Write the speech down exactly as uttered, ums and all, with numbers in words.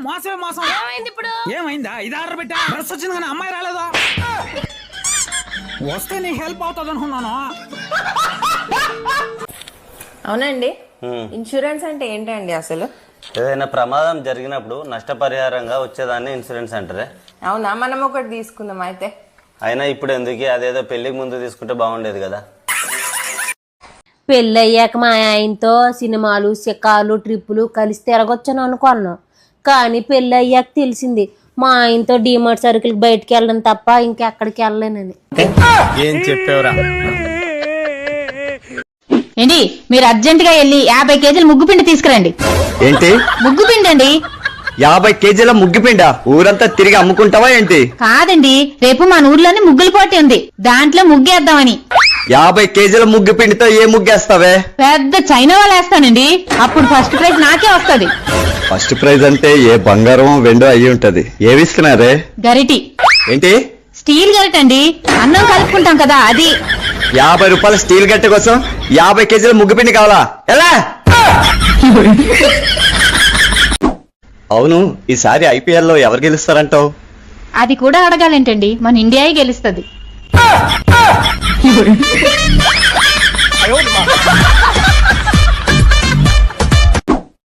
మోసమే మోసం. ఏమైంది ఇప్పుడు? ఏమైందా? ఇది ఆర్డర్ పెట్టా, డ్రెస్ వచ్చింది కానీ అమ్మాయి రాలేదా? వస్తే నీకు హెల్ప్ అవుతుంది అనుకున్నాను. అవునండి, ఇన్సూరెన్స్ అంటే ఏంటండి అసలు? ఏదైనా ప్రమాదం జరిగినప్పుడు నష్టపరిహారంగా వచ్చేదాన్ని ఇన్సూరెన్స్ అంటారే. అవునా, మనం ఒకటి తీసుకుందాం అయితే. అయినా ఇప్పుడు ఎందుకు, అదేదో పెళ్లికి ముందు తీసుకుంటే బాగుండేది కదా. పెళ్ళయ్యాక మా ఆయనతో సినిమాలు సిక్కాలు ట్రిప్పులు కలిసి తిరగొచ్చాను అనుకున్నాను. కానీ పెళ్ళి అయ్యాక తెలిసింది మా ఆయనతో డిమార్ట్ సరుకులకి బయటకు వెళ్ళడం తప్ప ఇంకెక్కడికి వెళ్ళలేనని. ఏం చెప్పావురా? ఏంటి, మీరు అర్జెంట్ గా వెళ్ళి యాభై కేజీలు ముగ్గు పిండి తీసుకురండి. ఏంటి ముగ్గు పిండి అండి? యాభై కేజీల ముగ్గిపిండా? ఊరంతా తిరిగి అమ్ముకుంటావా ఏంటి? కాదండి, రేపు మన ఊర్లోనే ముగ్గుల పోటీ ఉంది, దాంట్లో ముగ్గేద్దామని. యాభై కేజీల ముగ్గు పిండితో ఏ ముగ్గేస్తావే? పెద్ద చైనా వాళ్ళు వేస్తానండి, అప్పుడు ఫస్ట్ ప్రైజ్ నాకే వస్తుంది. ఫస్ట్ ప్రైజ్ అంటే ఏ బంగారం వెండో అయ్యి ఉంటది. ఏమిస్తున్నారే? గరిటి. ఏంటి? స్టీల్ గరిట అండి, అన్నం కలుపుకుంటాం కదా అది. యాభై రూపాయల స్టీల్ గట్టె కోసం యాభై కేజీల ముగ్గు పిండి కావాలా? ఎలా? అవును, ఈసారి ఐపీఎల్ లో ఎవరు గెలుస్తారంటావు? అది కూడా అడగాలేంటండి, మన ఇండియాయే గెలుస్తుంది.